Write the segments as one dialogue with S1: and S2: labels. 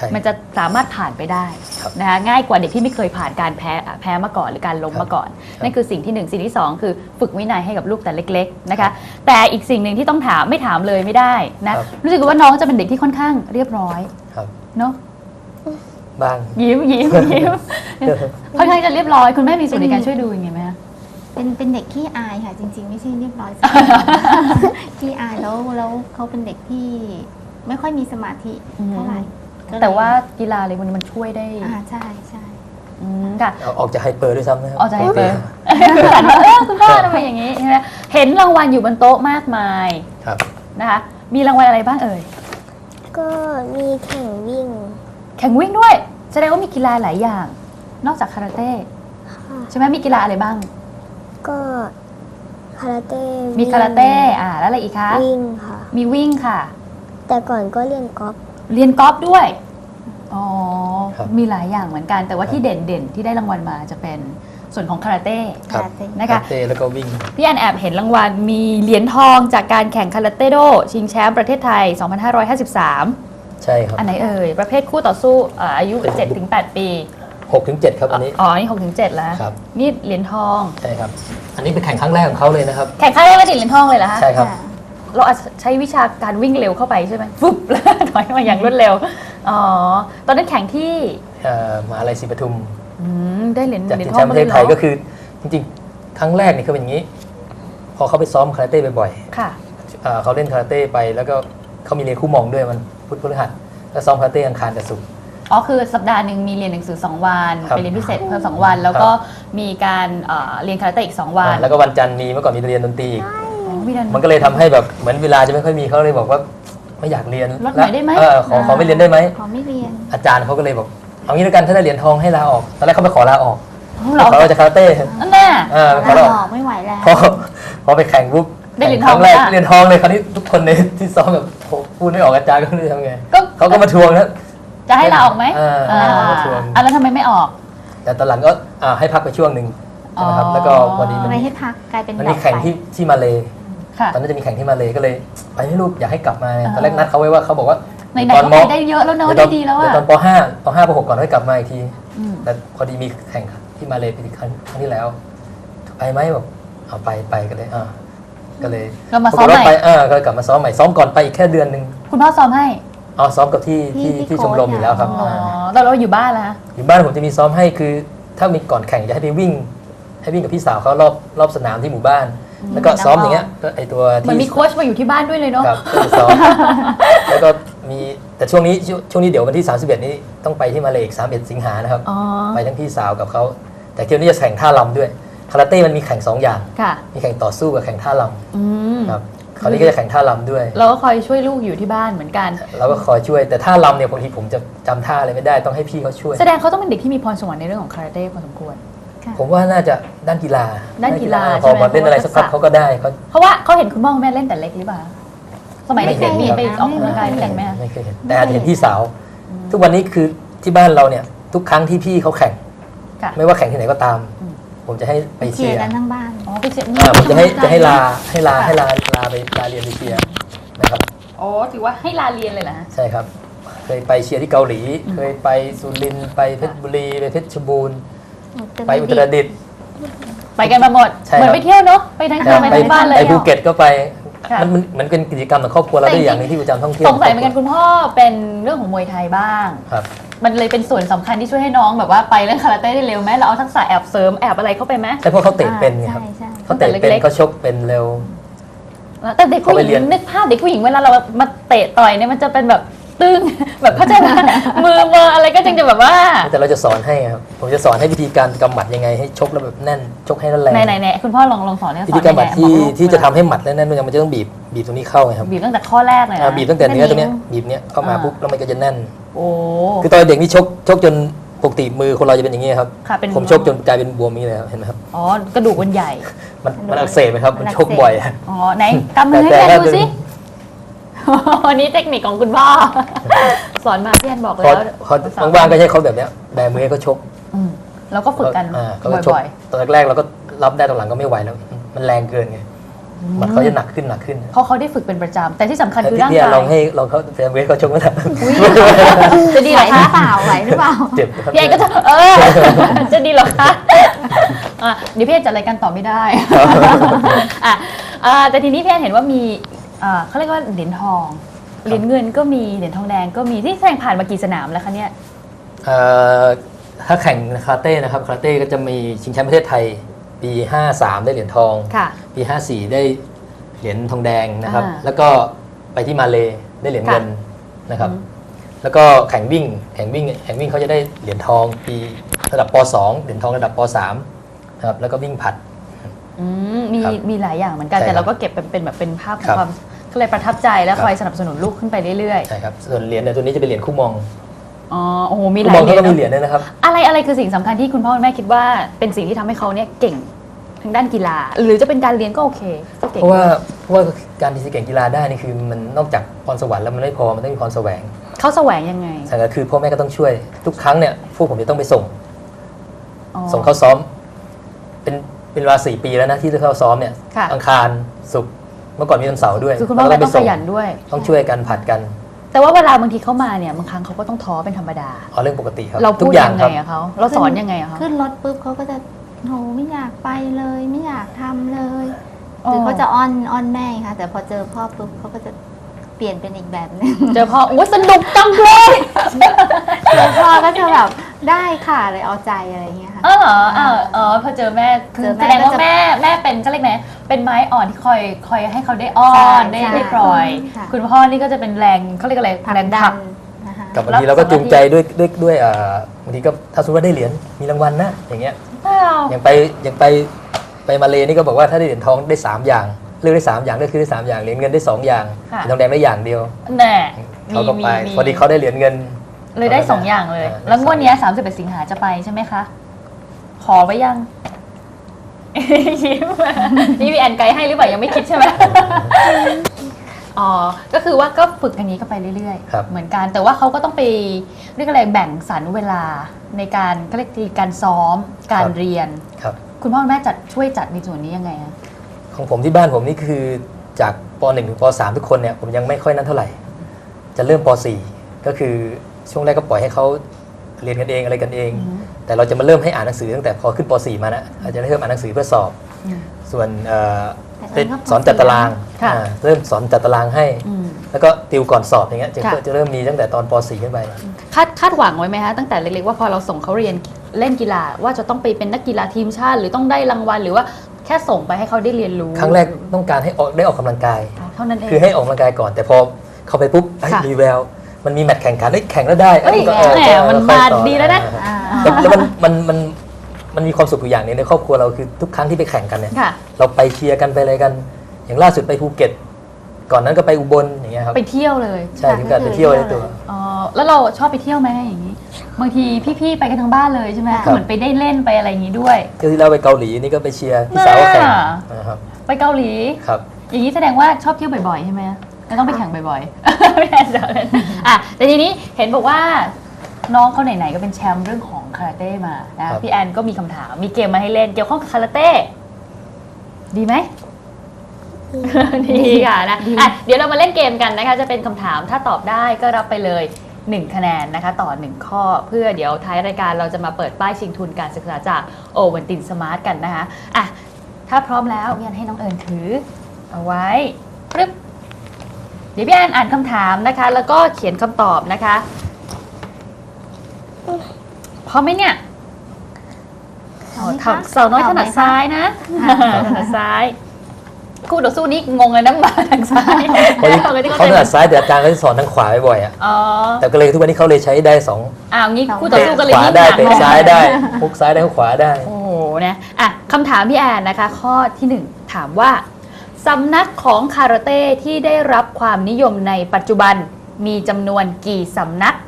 S1: มันจะสามารถผ่านไปได้นะคะง่ายกว่าเด็กที่ไม่เคยผ่านการแพ้มาก่อนหรือการล้มมาก่อนนั่นคือสิ่งที่1สิ่งที่2คือฝึกวินัยให้กับลูกแต่เล็กๆนะคะแต่อีกสิ่งหนึ่งที่ต้องถามไม่ถามเลยไม่ได้นะรู้สึกว่าน้องจะเป็นเด็กที่ค่อนข้างเรียบร้อยเนาะ
S2: บ้าง
S1: ยิ้มค่อนข้างจะเรียบร้อยคุณแม่มีส่วนในการช่วยดูยังไงไหมคะ
S3: เป็นเด็กขี้อายค่ะจริงๆไม่ใช่เรียบร้อยขี้อายแล้วเขาเป็นเด็กที่ไม่ค่อยมีสมาธิเท่าไหร่
S1: แต่ว่ากีฬาอะไรพวกนี้มันช่วยได้
S3: ใช่
S1: ค่ะ
S2: ออกจากไฮเปอร์ด้วยซ้ำนะครับ
S1: ออกจากไฮเปอร์คุณพ่อทำไมอย่างนี้ใช่ไหมเห็นรางวัลอยู่บนโต๊ะมากมายนะคะมีรางวัลอะไรบ้างเอ่ย
S4: ก็มีแข่งวิ่ง
S1: ด้วยแสดงว่ามีกีฬาหลายอย่างนอกจากคาราเต้ใช่ไหมมีกีฬาอะไรบ้าง
S4: ก็คาราเต้
S1: มีคาราเต้แล้วอะไรอีกคะ
S4: วิ่งค่ะ
S1: มีวิ่งค่ะ
S4: แต่ก่อนก็เรียนกอล์ฟ
S1: ด้วยอ๋อมีหลายอย่างเหมือนกันแต่ว่าที่เด่นที่ได้รางวัลมาจะเป็นส่วนของคาราเต้
S2: นะคะคาราเต้แล้วก็วิ่ง
S1: พี่อันแอบเห็นรางวัลมีเหรียญทองจากการแข่งคาราเต้โดชิงแชมป์ประเทศไทย 2553
S2: ใช่ครับ
S1: อันไหนเอ่ยประเภทคู่ต่อสู้อายุ 7-8 ปี
S2: 6-7 ครับอันนี้
S1: นี่ 6-7 แล้วนี่เหรียญทอง
S2: ใช่ครับอันนี้เป็นแข่งครั้งแรกของเขาเลยนะครับ
S1: แข่งครั้งแรกแล้วติดเหรียญทองเลยเหรอคะ
S2: ใช่ครับ
S1: เราอาจจะใช้วิชาการวิ่งเร็วเข้าไปใช่ไหมฟึบแล้วถอยมาอย่างรวดเร็วตอนนั้นแข่งที่
S2: มหาลัยศรีปทุม
S1: ได้เหรียญ
S2: จากทีมแชมป์ประเทศไทยก็คือจริงๆครั้งแรกนี่คือเป็นอย่างนี้พอเขาไปซ้อมคาราเต้บ่อยๆเขาเล่นคาราเต้ไปแล้วก็เขามีเรียนคู่มองด้วยมันพุธพฤหัสแล้วซ้อมคาราเต้อังคารกับศุกร์
S1: คือสัปดาห์หนึ่งมีเรียนหนังสือ2 วันไปเรียนพิเศษเพิ่ม2 วันแล้วก็มีการเรียนคาราเต้อีก2 วัน
S2: แล้วก็วันจันทร์มีเมื่อก่อนมีเรียนดนตรีมันก็เลยทำให้แบบเหมือนเวลาจะไม่ค่อยมีเขาเลยบอกว่าไม่อยากเรียน
S1: ลดหน่อยได้ไหม
S2: ขอไม่เรียนได้ไหม
S3: ขอไม่เรียน
S2: อาจารย์เขาก็เลยบอกเอางี้แล้วกันถ้าได้เหรียญทองให้ลาออกตอนแรกเขาไปขอลาออกเขาจะคาราเต้
S1: แน่
S3: ขอลาออกไม่ไหวแล้ว
S2: พอไปแข่งปุ๊บ
S1: ได้เหรียญทอง
S2: แรกเหรียญทองเลยคราวนี้ทุกคนในที่ซ้อมแบบพูดไม่ออกอาจารย์ก็ไม่รู้ทำไงเขาก็มาทวงนะ
S1: จะให้ลาออกไหมแล้วทำไมไม่ออก
S2: แต่ตอนหลังก็ให้พักไปช่วงหนึ่งใช่ไหมครับแล้วก็พอดี
S3: มันให้พักกลายเป็น
S2: มันมีแข่งที่มาเลตอนนั้นจะมีแข่งที่มาเลก็เลยไปให้ลูกอยากให้กลับมาตอนแรกนัดเขาไว้ว่าเขาบอกว่า
S1: ตอนม.ได้เยอะแล้วเนาะได้ดีแล้วอะ
S2: ตอนป.5 ป.5 ป.6 ก่อนให้กลับมาอีกทีแต่พอดีมีแข่งที่มาเลปีครั้งที่แล้วไปไหมบอกเอาไปก็เลยก็เลย
S1: ก็มาซ้อมใหม่
S2: ก็กลับมาซ้อมใหม่ซ้อมก่อนไปอีกแค่เดือนนึง
S1: คุณพ่อซ้อมให้
S2: ซ้อมกับที่ชมรมอยู่แล้วครับ
S1: แล้วเราอยู่บ้านแล้ว
S2: อยู่บ้านผมจะมีซ้อมให้คือถ้ามีก่อนแข่งจะให้ไปวิ่งกับพี่สาวเขารอบสนามที่หมู่บ้านแล้วก็ซ้อมอย่างเงี้ยก็ไอตัวที่
S1: มันมีโค้ชมาอยู่ที่บ้านด้วยเลยเนาะ
S2: ครับซ้อมแล้วก็มีแต่ช่วงนี้เดี๋ยววันที่31นี้ต้องไปที่มาเลอีก31 สิงหานะครับไปทั้งพี่สาวกับเขาแต่เที่ยวนี้จะแข่งท่าลำด้วยคาราเต้มันมีแข่ง2 อย่างมีแข่งต่อสู้กับแข่งท่าลำครับคราวนี้ก็จะแข่งท่าลำด้วย
S1: เราก็คอยช่วยลูกอยู่ที่บ้านเหมือนกัน
S2: เราก็คอยช่วยแต่ท่าลำเนี่ยบางทีผมจะจำท่าอะไรไม่ได้ต้องให้พี่เขาช่วย
S1: แสดงเขาต้องเป็นเด็กที่มีพรสวรรค์ในเรื่องของคาราเต้พอสมควร
S2: ผมว่าน่าจะด้านกีฬาพอเล่นอะไรสักพักเขาก็ได้
S1: เพราะว่าเขาเห็นคุณพ่อคุณแม่เล่นแต่เล็กหรือเปล่าสมัยเด็กๆมีไปออกกำลังกายเล่นไหม
S2: ไม่เคยเห็นแต่เห็นพี่สาวทุกวันนี้คือที่บ้านเราเนี่ยทุกครั้งที่พี่เขาแข่งไม่ว่าแข่งที่ไหนก็ตามผมจะให้ไปเชียร์
S3: กันทั้งบ้าน
S1: ไปเชียร์
S2: ผมจะให้ลาไปลาเรียนไปเชียร์นะครับ
S1: ถือว่าให้ลาเรียนเลยนะ
S2: ใช่ครับเคยไปเชียร์ที่เกาหลีเคยไปสุรินทร์ไปเพชรบุรีไปเพชรบูรณ์ไปอุตรดิตถ์
S1: ไปกันมาหมดเหมือนไปเที่ยวเนาะไปทั้งคืนไปทั้งบ้านเลย
S2: ไปภูเก็ตก็ไปมันเป็นกิจกรรมของครอบครัวเราได้อย่างนึงที่ประจำท่องเที่ยว
S1: สงสัยเหมือนกันคุณพ่อเป็นเรื่องของมวยไทยบ้างมันเลยเป็นส่วนสำคัญที่ช่วยให้น้องแบบว่าไปเรื่องคาราเต้ได้เร็วไหมเราเอาทักษะแอบเสริมแอบอะไรเข้าไปไหม
S2: ใช่เพราะเขาเตะเป็นไงครับเขาเตะเป็นเขาชกเป็นเร็ว
S1: แต่เด็กผู้หญิงนึกภาพเด็กผู้หญิงเวลาเรามาเตะต่อยเนี่ยมันจะเป็นแบบตึงแบบเข้าใจไหมมืออะไรก็จึงจะแบบว่า
S2: แต่เราจะสอนให้ครับผมจะสอนให้วิธีการกำหมัดยังไงให้ชกแล้วแบบแน่นชกให้แรง
S1: ไหนคุณพ่อลองสอนให้
S2: วิธีการกำหมัดที่จะทำให้หมัดแน่นๆมันจะต้องบีบตรงนี้เข้าไงครับ
S1: บีบตั้งแต่ข้อแรกเลย
S2: บีบตั้งแต่เนื้อตรงนี้บีบเนี้ยเข้ามาปุ๊บแล้วมันก็จะแน่น
S1: โอ้
S2: คือตอนเด็กนี่ชกจนปกติมือคนเราจะเป็นอย่างนี้ครับผมชกจนกลายเป็นบวมนี้เลยเห็นไหมครับ
S1: กระดูกมันใหญ่
S2: มันอักเสบไหมครับมันชกบ่อย
S1: ไหนกำมือให้แกดูสิวันนี้เทคนิคของคุณพ่อสอนมาพี่แอนบอกแล้ว
S2: บางๆก็ใช้เขาแบบเนี้ยแบมือให้เขาชก
S1: แล้วก็ฝึกกัน
S2: บ่อยๆตอนแรกเราก็รับได้ตอนหลังก็ไม่ไหวแล้วมันแรงเกินไงหมัดเขาจะหนักขึ้น
S1: เพราะเขาได้ฝึกเป็นประจำแต่ที่สำคัญคือ
S2: พี่
S1: ร่าง
S2: เนี่ย
S1: กาย
S2: ลองเขาแฟนเวทเขาชกไม่ได้
S1: จะดีเหรอคะ
S3: ไหวหรือเปล่า
S2: เจ็บครับ
S1: พี่แอนก็จะจะดีเหรอคะเดี๋ยวพี่แอนจัดรายการต่อไม่ได้ แต่ทีนี้พี่แอนเห็นว่ามีเขาเรียกว่าเหรียญทองเหรียญเงินก็มีเหรียญทองแดงก็มีที่แข่งผ่านมากี่สนามแล้วคะเนี่ย
S2: ถ้าแข่งคาราเต้นะครับคาราเต้ก็จะมีชิงแชมป์ประเทศไทยปี 53 ได้เหรียญทอง
S1: ค่ะ
S2: ปี 54 ได้เหรียญทองแดงนะครับ
S1: อ่า
S2: แล้วก็ไปที่มาเลได้เหรียญเงินนะครับ แล้วก็แข่งวิ่งเขาจะได้เหรียญทองปีระดับป .2 เหรียญทองระดับป .3 นะครับแล้วก็วิ่งผลัด ครับ
S1: มีหลายอย่างเหมือนกัน
S2: ใช่
S1: แต่เรา
S2: ครับ
S1: ก็เก็บเป็นแบบเป็นภาพขอ
S2: ครั
S1: ง
S2: บ
S1: ความก็เลยประทับใจและ
S2: ครับ
S1: คอยสนับสนุนลูกขึ้นไปเรื่อย
S2: ใช่ครับส่วนเหรียญเนี่ยตัวนี้จะเป็นเหรียญคู่มอง
S1: ๆอ๋อโอ้โหมีห
S2: คู่
S1: ลาม
S2: อย ง
S1: เหรี
S2: เขา
S1: ยญ
S2: ก็มี
S1: เน
S2: เหรียญ
S1: อะ
S2: ด้วยนะครับ
S1: อะไรคือสิ่งสำคัญที่คุณพ่อคุณแม่คิดว่าเป็นสิ่งที่ทำให้เขาเนี่ยเก่งทางด้านกีฬา หรือจะเป็นการเรียนก็โอเคก็เก่ง
S2: เพราะว่าการที่จะเก่งกีฬาได้นี่คือมันนอกจากพรสวรรค์แล้วมันไม่พอมันต้องมีพรแสวง
S1: เขาแสวงยังไง
S2: ใช่ก็คือพ่อแม่ก็ต้องช่วยทุกครั้งเนี่ยพวกผมจะต้องไปส่ง
S1: อ๋อ
S2: ส่งเข้าซ้อมเป็นเวลา4 ปีแล้วนะที่เข้าซ้อมเนี่ย
S1: ค่ะ
S2: อังคารศุกร์เมื่อก่อนมีวันเสาร์ด้วย
S1: คือคุณพ่อ
S2: เรา
S1: แม่
S2: ก็
S1: ต้องขยันด้วย
S2: ต้องช่วยกันผัดกัน
S1: แต่ว่าเวลาบางทีเขามาเนี่ยบางครั้งเขาก็ต้องท้อเป็นธรรมดา
S2: เอาเรื่องปกติครับ
S1: เรา
S2: ทุ
S1: พู
S2: ก
S1: ด
S2: อย่าง
S1: ยัง
S2: ค
S1: ไง
S2: รับ
S1: อะเขาเราสอนยังไงอะเขา
S3: ขึ้นรถปุ๊บเขาก็จะโหไม่อยากไปเลยไม่อยากทำเลย
S1: อ๋อ
S3: หรือเขาจะอ้อนแม่ค่ะ แต่พอเจอพ่อปุ๊บเขาก็จะเปลี่ยนเป็นอีกแบบหนึง
S1: เจอพ่อโอ้ยสนุกจังเลย
S3: เจอพ่อก็จะแบบได้ค่ะเลยเอาใจอะไรอย่างเงี้ยค่ะ
S1: อ๋อเหรอพอเจอแม่คือ
S3: เจอแม่
S1: แสดงว่า
S3: ก็จะ
S1: แม่เป็นก็เรียกไงเป็นไม้อ่อนที่คอยให้เขาได้อ้อ
S3: ใช่
S1: นได้
S3: ใช่
S1: ได้ปล่อย
S3: ค่ะ
S1: คุณพ่อนี่ก็จะเป็นแรงเขาเรียกอะไร
S3: ผลัก
S1: แรง
S3: ดั
S1: ผลั
S3: น
S1: ก
S3: นะคะ
S2: กับบางทีเราก็จูงใจด้วยบางทีก็ถ้าสมมติว่าได้เหรียญมีรางวัลนะอย่างเงี้ย
S1: ว้าว
S2: อย่างไปมาเลนี่ก็บอกว่าถ้าได้เหรียญทองได้ 3 อย่างเลือกได้ 3 อย่างเลือกคือได้ 3 อย่างเหรียญเงินได้ 2 อย่างเหรียญทองแดงได้อย่างเดียว
S1: แน่
S2: เขาก็ไปพอดีเขาได้เหรียญเงิน
S1: เลยได้2อย่างเลย แล้วงวดเนี้ย31 สิงหาจะไปใช่ไหมคะ ขอไว้ยัง ยิ้มนี่พี่แอนไกด์ให้หรือเปล่ายังไม่คิดใช่ไหม อ๋อ ก็คือว่าก็ฝึกอย่างนี้ก็ไปเรื่อย
S2: ครับ
S1: ๆ เหมือนกัน แต่ว่าเขาก็ต้องไปเรียกอะไรแบ่งสรรเวลาในการก็เรียกการซ้อม การเรียน
S2: ครับ
S1: คุณพ่อคุณแม่ช่วยจัดในส่วนนี้ยังไงคะ
S2: ของผมที่บ้านผมนี่คือจากป .1 ถึงป .3 ทุกคนเนี่ยผมยังไม่ค่อยนั้นเท่าไหร่ จะเริ่มป .4 ก็คือช่วงแรกก็ปล่อยให้เขาเรียนกันเองอะไรกันเอง แต่เราจะมาเริ่มให้อ่านหนังสือตั้งแต่พอขึ้นป .4 มานะอาจจะเริ่มอ่านหนังสือเพื่อสอบ ส่วนสอนจัดตาราง
S1: ค่ะ
S2: เริ่มสอนจัดตารางให้
S1: อืม
S2: แล้วก็ติวก่อนสอบอย่างเงี้ย
S1: ค่ะ
S2: จะเริ่มมีตั้งแต่ตอนป .4 ขึ้นไป
S1: คาดหวังไว้ไหมคะตั้งแต่เล็กๆว่าพอเราส่งเขาเรียนเล่นกีฬาว่าจะต้องไปเป็นนักกีฬาทีมชาติ หรือต้องได้รางวัลหรือว่าแค่ส่งไปให้เขาได้เรียนรู้
S2: ครั้งแรกต้องการให้ได้ออกกำลังกาย
S1: เท่านั้นเอง
S2: คือให้ออกกำลังกายก่อน แต่พอเข้าไปปุ๊บเอ้ย
S1: ค่ะ
S2: มีแววมันมีแมตช์แข่งขันแข่งแล้วได้
S1: เอ้ย
S2: ก็
S1: แหมมัน
S2: ค่อย
S1: มา
S2: ต่อ
S1: ดีแล้วนะ
S2: แล้วมันมีความสุขอยู่อย่างหนึงในครอบครัวเราคือทุกครั้งที่ไปแข่งกันเนี่ย
S1: ค่ะ
S2: เราไปเชียร์กันไปอะไรกัน อย่างล่าสุดไปภูเก็ต ก่อนนั้นก็ไปอุบลอย่างเงี้ยครับ
S1: ไปเที่ยวเลย
S2: ใช่ถึงกับไปเที่ยวในตัว
S1: อ๋อแล้วเราชอบไปเที่ยวไหมอย่างนี้ บางทีพี่ๆไปกันทั้งบ้านเลยใช่ไหม
S2: ครับ
S1: เหมือนไปได้เล่นไปอะไรอย่างนี้ด้วย
S2: ก็ที่เราไปเกาหลีนี่ก็ไปเชียร์พี่สาวแข่งนะครับ
S1: ไปเกาหลี
S2: ครับ
S1: อย่างนี้แสดงว่าชอบเที่ยวบ่อยๆใช่ไหมแล้วต้องไปแข่งบ่อยๆ ไม่แน่ใจเลยอ่ะแต่ทีนี้เห็นบอกว่าน้องเขาไหนๆก็เป็นแชมป์เรื่องของคาราเต้มานะครับ พี่แอนก็มีคำถามมีเกมมาให้เล่นเกี่ยวข้องกับคาราเต้ดีไหม ดีค่ะนะอ่ะเดี๋ยวเรามาเล่นเกมกันนะคะจะเป็นคำถามถ้าตอบได้ก็รับไปเลย1 คะแนนนะคะต่อ1ข้อเพื่อเดี๋ยวท้ายรายการเราจะมาเปิดป้ายชิงทุนการศึกษาจากโอวันตินสมาร์ทกันนะคะอ่ะถ้าพร้อมแล้วพี่แอนให้น้องเอิญถือเอาไว้ปึ๊บเดี๋ยวพี่แอนอ่านคำถามนะคะ แล้วก็เขียนคำตอบนะคะพร้อมไหมเนี่ยเสาน้อยถนัดซ้ายนะถนัดซ้ายคู่ต่อสู้นี้งงเลยนะมาทางซ้าย
S2: เพราะเขาถนัดซ้ายแต่อาจารย์ก็จะสอนทางขวาบ่อยๆอ่ะ
S1: อ๋อ
S2: แต่ก็เลยทุกวันนี้เขาเลยใช้ได้2
S1: อ้าวงี้คู่ต่อสู้ก็เลย
S2: ขวา
S1: ยิ่ง
S2: ได้
S1: หนัก
S2: เตะซ้ายได้ฮุกซ้ายได้ฮุกขวาได้
S1: โอ้โหนะอ่ะคำถามพี่แอนนะคะ ข้อที่ 1 ถามว่าสำนักของคาราเต้ที่ได้รับความนิยมในปัจจุบันมีจำนวนกี่สำนัก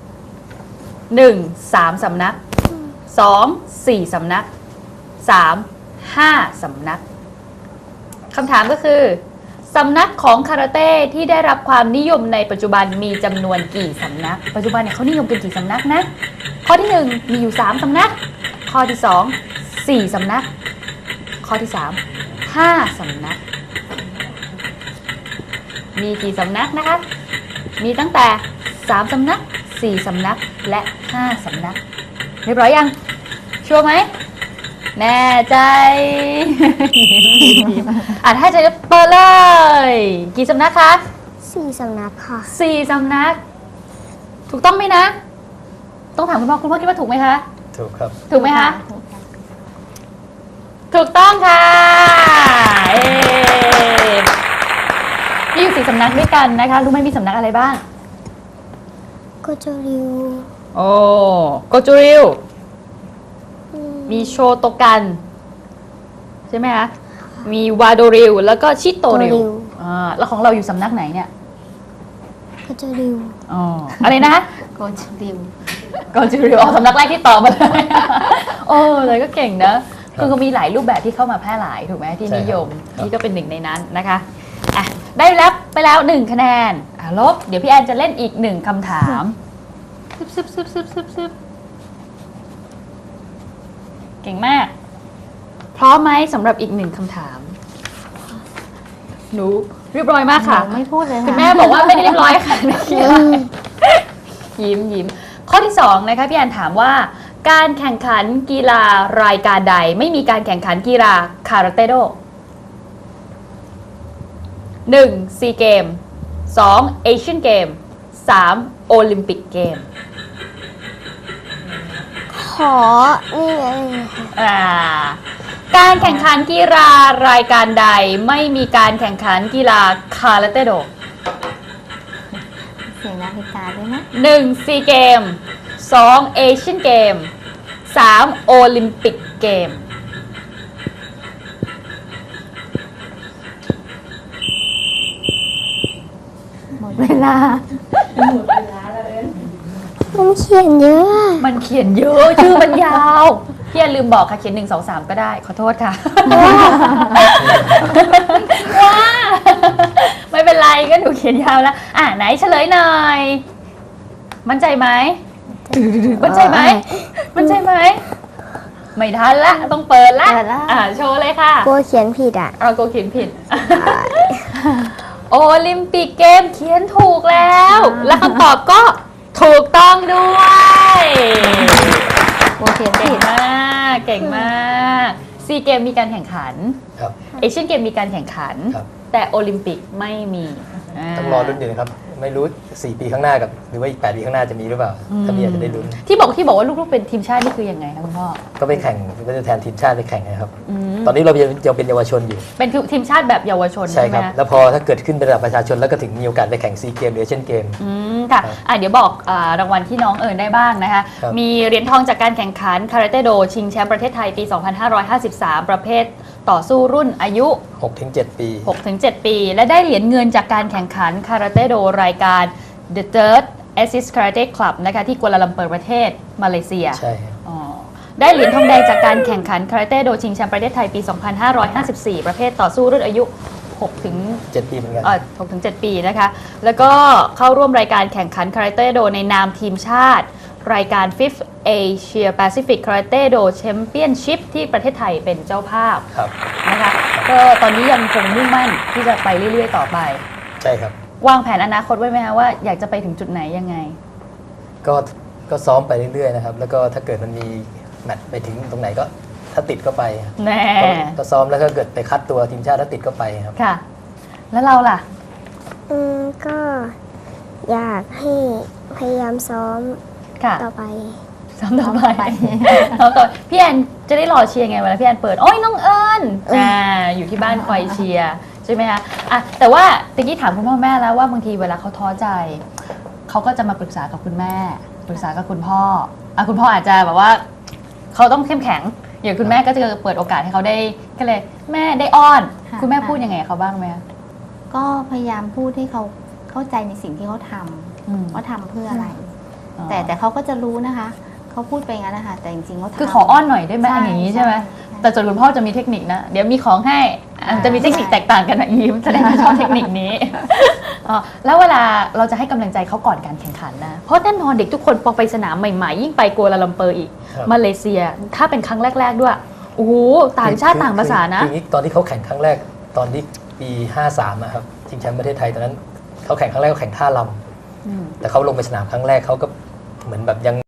S1: 1. 3 สำนัก 2. 4 สำนัก 3. 5 สำนักคำถามก็คือสำนักของคาราเต้ที่ได้รับความนิยมในปัจจุบันมีจำนวนกี่สำนัก ปัจจุบันเนี่ยเขานิยมกันกี่สำนักนะ ข้อที่ 1 มีอยู่3 สำนัก ข้อที่ 2 4 สำนัก ข้อที่ 3 5 สำนักมีกี่สำนักนะคะ มีตั้งแต่ 3 สำนัก 4 สำนักและ 5 สำนัก เรียบร้อยยัง ชัวร์ไหม แน่ใจ ถ้าจะเปิดเลย กี่สำนักคะ
S4: 4 สำนักค่ะ
S1: 4 สำนัก ถูกต้องไหมนะ ต้องถามคุณพ่อคิดว่าถูกไหมคะ
S2: ถูกครับ
S1: ถูกไหมคะ
S3: ถูกค่ะ
S1: ถูกต้องค่ะมีอยู่ 4 สำนักด้วยกันนะคะ รู้ไหมมีสำนักอะไรบ้าง
S4: โกโจริว
S1: โอ้โกจูริว มีโชโตกัน ใช่ไหมคะ มีวาโดริว แล้วก็ชิโตริว แล้วของเราอยู่สำนักไหนเนี่ย
S4: โกโจริว
S1: อ๋อ อะไรนะ
S3: โกชริว
S1: โกจูริวสำนักแรกที่ตอบมาเลย โอ้เลยก็เก่งนะ คือก็มีหลายรูปแบบที่เข้ามาแพร่หลายถูกไหมที่นิยม นี่ก็เป็นหนึ่งในนั้นนะคะอ่ะได้รับไปแล้ว 1 คะแนนลบ เดี๋ยวพี่แอนจะเล่นอีก 1 คำถามซึบเก่งมาก พร้อมไหมสำหรับอีก 1 คำถาม หนูเรียบร้อยมากค่ะ
S3: หนูไม่พูดเลยค่ะ
S1: คุณแม่บอกว่าไม่ได้เรียบร้อยค่ะ ยิ้มข้อที่ 2 นะคะพี่แอนถามว่า การแข่งขันกีฬารายการใดไม่มีการแข่งขันกีฬาคาราเต้โด 1. ซีเกม 2. เอเชียนเกม 3. โอลิมปิกเกม
S4: ขอนี่ไง
S1: การแข่งขันกีฬารายการใดไม่มีการแข่งขันกีฬาคาราเต้โด
S3: เสียงนาฬิกาด้วยนะ
S1: 1. ซีเกม 2. เอเชียนเกม 3. โอลิมปิกเกม
S3: หมดเวลา
S4: มันเขียนเยอะ
S1: มันเขียนเยอะ ชื่อมันยาว พี่อย่าลืมบอกค่ะ เขียน 1 2 3 ก็ได้ ขอโทษค่ะ ว้าไม่เป็นไรก็หนูเขียนยาวแล้ว ไหนเฉลยหน่อย มั่นใจไหม มั่นใจไหม มั่นใจไหม ไม่ทันละ ต้องเปิดละ
S3: เปิดละ
S1: โชว์เลยค่ะ
S4: กลัวเขียนผิดอ่ะ
S1: เราโกเขียนผิด โอลิมปิกเกมเขียนถูกแล้ว และคำตอบก็ถูกต้องด้วย
S3: โอเค
S1: เก่
S3: ผิ
S1: ง
S3: ด
S1: มากเก่งมากซีเกมมีการแข่งขัน
S2: ครับ
S1: เอเชียนเกมมีการแข่งขัน
S2: ครับ
S1: แต่โอลิมปิกไม่มี
S2: ต้องรอลุ้นอยู่นะครับ ไม่รู้ 4 ปีข้างหน้ากับหรือว่าอีก 8 ปีข้างหน้าจะมีหรือเปล่า ถ้ามีอาจจะได้ลุ้น
S1: ที่บอกว่าลูกๆเป็นทีมชาตินี่คือยังไงคะคุณพ่อ
S2: ก็ไปแข่งก็จะแทนทีมชาติไปแข่งนะครับ
S1: อืม
S2: ตอนนี้เรายังเป็นเยาวชนอยู่
S1: เป็นทีมชาติแบบเยาวชน
S2: ใช่
S1: ใช่ไห
S2: ค
S1: ม
S2: รับ
S1: คะ
S2: แล้วพอถ้าเกิดขึ้นเป็นระดับประชาชนแล้วก็ถึงมีโอกาสไปแข่งซีเกมหรือเอเชียนเกม
S1: ค่ะ
S2: ครับ
S1: เดี๋ยวบอกรางวัลที่น้องเอิญได้บ้างนะคะ
S2: ครับ
S1: มีเหรียญทองจากการแข่งขันคาราเต้โดชิงแชมป์ประเทศไทยปี 2553 ประเภทต่อสู้รุ่นอายุ
S2: 6-7 ปี
S1: 6-7 ปี และได้เหรียญเงินจากการแข่งขันคาราเต้โดรายการ The Third Assist Karate Club นะคะที่กัวลาลัมเปอร์ประเทศมาเลเซีย
S2: ใช่ครับ
S1: อ๋อได้เหรียญทองแดงจากการแข่งขันคาราเต้โดชิงแชมป์ประเทศไทยปี 2554 ประเภทต่อสู้รุ่นอายุ 6 ถึง
S2: 7 ปีเหมือนกัน
S1: 6-7 ปีนะคะ แล้วก็เข้าร่วมรายการแข่งขันคาราเต้โดในนามทีมชาติ รายการ 5th Asia Pacific Karate Do Championship ที่ประเทศไทยเป็นเจ้าภาพ
S2: ครับ
S1: นะคะก็ตอนนี้ยังคงมุ่งมั่นที่จะไปเรื่อยๆต่อไป
S2: ใช่ครับ
S1: วางแผนอนาคตไว้ไหมคะว่าอยากจะไปถึงจุดไหนยังไง
S2: ก็ซ้อมไปเรื่อยๆนะครับ แล้วก็ถ้าเกิดมันมีแมตช์ไปถึงตรงไหนก็ถ้าติดก็ไปครับ
S1: แน่
S2: ก็ซ้อมแล้วก็เกิดไปคัดตัวทีมชาติถ้าติดก็ไปครับ
S1: ค่ะ แล้วเราล่ะ
S4: ก็อยากให้พยายามซ้อม
S1: ค่ะ
S4: ต่อไป
S1: ซ้อมต่อไปซ้อมต่อพี่แอนจะได้รอเชียร์ไงเวลาพี่แอนเปิด โอ้ยน้องเอิญอยู่ที่บ้านคอยเชียร์ใช่ไหมคะแต่ว่าตะกี้ถามคุณพ่อแม่แล้วว่าบางทีเวลาเขาท้อใจ เขาก็จะมาปรึกษากับคุณแม่ ปรึกษากับคุณพ่อคุณพ่ออาจจะแบบว่าเขาต้องเข้มแข็ง อย่างคุณแม่ก็จะเปิดโอกาสให้เขาได้ก็เลยแม่ได้อ้อน
S3: ค่ะ
S1: คุณแม่พูดยังไงกับเขาบ้างไหมคะ
S3: ก็พยายามพูดให้เขาเข้าใจในสิ่งที่เขาท
S1: อืม
S3: ำว่าทำเพื่ออะไร แต่เขาก็จะรู้นะคะ เขาพูดไปงั้นนะคะ แต่จริงๆเขาทำ
S1: คือขออ้อนหน่อยได้ไหม
S3: ใช่
S1: อย่างนี้ใช่ไหม
S3: ใช่
S1: แต่ส่วนคุณพ่อจะมีเทคนิคนะ เดี๋ยวมีของให้จะมีเทคนิคแตกต่างกันนะยิ้มแสดงว่าชอบเทคนิคนี้ แล้วเวลาเราจะให้กำลังใจเขาก่อนการแข่งขันนะ เพราะแน่นอนเด็กทุกคนพอไปสนามใหม่ๆ ยิ่งไปกัวลาลัมเปอร์อีก
S2: ครับ
S1: มาเลเซีย ถ้าเป็นครั้งแรก ๆ ด้วย โอ้โห ต่างชาติต่างภาษานะ
S2: คืออย่างนี้ตอนที่เขาแข่งครั้งแรกตอนที่ปี 53นะครับชิงแชมป์ประเทศไทยตอนนั้นเขาแข่งครั้งแรกเขาแข่งท่าล
S1: อืม
S2: ำแต่เขาลงไปสนามครั้งแรกเขาก็เหมือนแบบยัง